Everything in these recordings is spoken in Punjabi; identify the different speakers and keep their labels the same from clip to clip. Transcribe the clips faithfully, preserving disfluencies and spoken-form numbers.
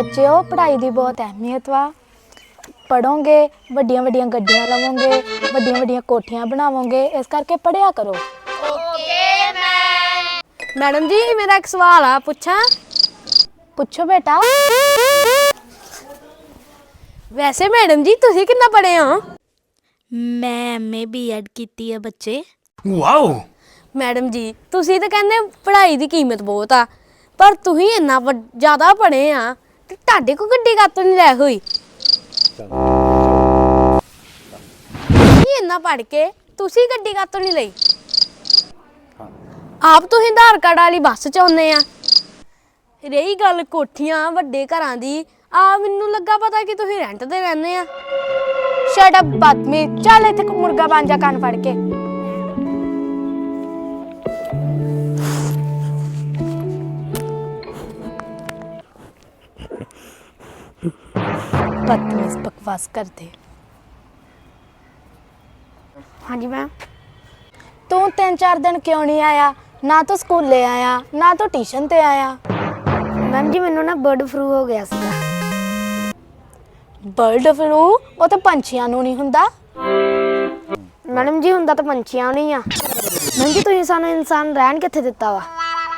Speaker 1: ਬੱਚਿਓ ਪੜ੍ਹਾਈ ਦੀ ਬਹੁਤ ਅਹਿਮੀਅਤ ਵਾ। ਪੜੋਗੇ ਵੱਡੀਆਂ ਵੱਡੀਆਂ ਗੱਡੀਆਂ ਲਵੋਗੇ, ਵੱਡੀਆਂ ਵੱਡੀਆਂ ਕੋਠੀਆਂ ਬਣਾਵੋਗੇ, ਇਸ ਕਰਕੇ ਪੜ੍ਹਿਆ ਕਰੋ।
Speaker 2: Okay ma'am. ਮੈਡਮ ਜੀ ਮੇਰਾ ਇੱਕ ਸਵਾਲ ਆ, ਪੁੱਛਾਂ?
Speaker 1: ਪੁੱਛੋ ਬੇਟਾ।
Speaker 2: ਵੈਸੇ ਮੈਡਮ ਜੀ ਤੁਸੀਂ ਕਿੰਨਾ ਪੜ੍ਹੇ ਹੋ?
Speaker 3: ਮੈਂ ਐਮਏ ਬੀਐਡ ਕੀਤੀ ਹੈ ਬੱਚੇ।
Speaker 4: ਵਾਓ।
Speaker 2: ਮੈਡਮ ਜੀ ਤੁਸੀਂ ਤਾਂ ਕਹਿੰਦੇ ਪੜ੍ਹਾਈ ਦੀ ਕੀਮਤ ਬਹੁਤ ਆ, ਪਰ ਤੁਸੀਂ ਇੰਨਾ ਜ਼ਿਆਦਾ ਪੜ੍ਹੇ ਆ ਤੇ ਤੁਹਾਡੇ ਕੋਲ ਗੱਡੀ ਕਾਹਤੋਂ ਨਹੀਂ ਲੈ ਹੋਈ? ਤੁਸੀਂ ਇੰਨਾ ਪੜ੍ਹ ਕੇ ਤੁਸੀਂ ਗੱਡੀ ਕਾਹਤੋਂ ਨਹੀਂ ਲਈ? ਆਪ ਤੁਸੀਂ ਆਧਾਰ ਕਾਰਡ ਵਾਲੀ ਬੱਸ 'ਚ ਆਉਂਦੇ ਆ। ਰਹੀ ਗੱਲ ਕੋਠੀਆਂ ਵੱਡੇ ਘਰਾਂ ਦੀ, ਆ ਮੈਨੂੰ ਲੱਗਾ ਪਤਾ ਕਿ ਤੁਸੀਂ ਰੈਂਟ ਤੇ ਰਹਿੰਦੇ ਆ।
Speaker 1: ਸ਼ਟ ਅਪ ਬਦਤਮੀਜ਼, ਚੱਲ ਇੱਥੇ ਮੁਰਗਾ ਬਣ ਜਾ ਕੰਨ ਫੜ ਕੇ। बदतमीज बकवास करते।
Speaker 2: हाँ जी मैम।
Speaker 1: तू तीन चार दिन क्यों नहीं आया? ना तो स्कूले आया ना तो ट्यूशन ते आया।
Speaker 2: मैम जी मैनू ना बर्ड फ्लू हो गया सीगा।
Speaker 1: बर्ड फ्लू वो तो पंछियां नू नहीं हुंदा।
Speaker 2: मैडम जी हुंदा तो पंछियां नहीं आ। मैम जी तुसीं सानू इंसान रहन कित्थे दित्ता वा?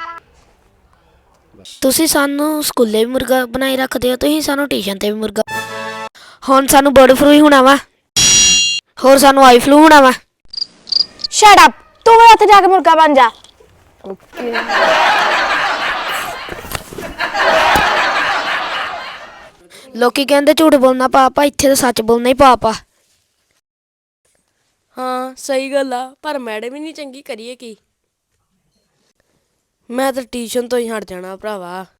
Speaker 3: ਤੁਸੀਂ ਸਾਨੂੰ ਸਕੂਲੇ ਵੀ ਮੁਰਗਾ ਬਣਾਈ ਰੱਖਦੇ ਹੋ, ਤੁਸੀਂ ਸਾਨੂੰ ਟਿਊਸ਼ਨ ਤੇ ਵੀ ਮੁਰਗਾ। ਹੁਣ ਸਾਨੂੰ ਬਰਡ ਫਲੂ ਹੀ ਹੋਣਾ ਵਾ, ਹੋਰ ਸਾਨੂੰ ਆਈ ਫਲੂ ਹੋਣਾ ਵਾ।
Speaker 1: शट अप, तू भी उत्थे जाके मुर्गा बन जा।
Speaker 3: ਲੋਕੀ ਕਹਿੰਦੇ ਝੂਠ ਬੋਲਣਾ ਪਾਪ ਆ, ਇੱਥੇ ਤਾਂ ਸੱਚ ਬੋਲਣਾ ਹੀ ਪਾਪ ਆ।
Speaker 2: ਹਾਂ ਸਹੀ ਗੱਲ ਆ, ਪਰ ਮੈਡਮ ਹੀ ਨਹੀਂ ਚੰਗੀ, ਕਰੀਏ ਕੀ? ਮੈਂ ਤਾਂ ਟਿਊਸ਼ਨ ਤੋਂ ਹੀ ਹਟ ਜਾਣਾ ਭਰਾਵਾ।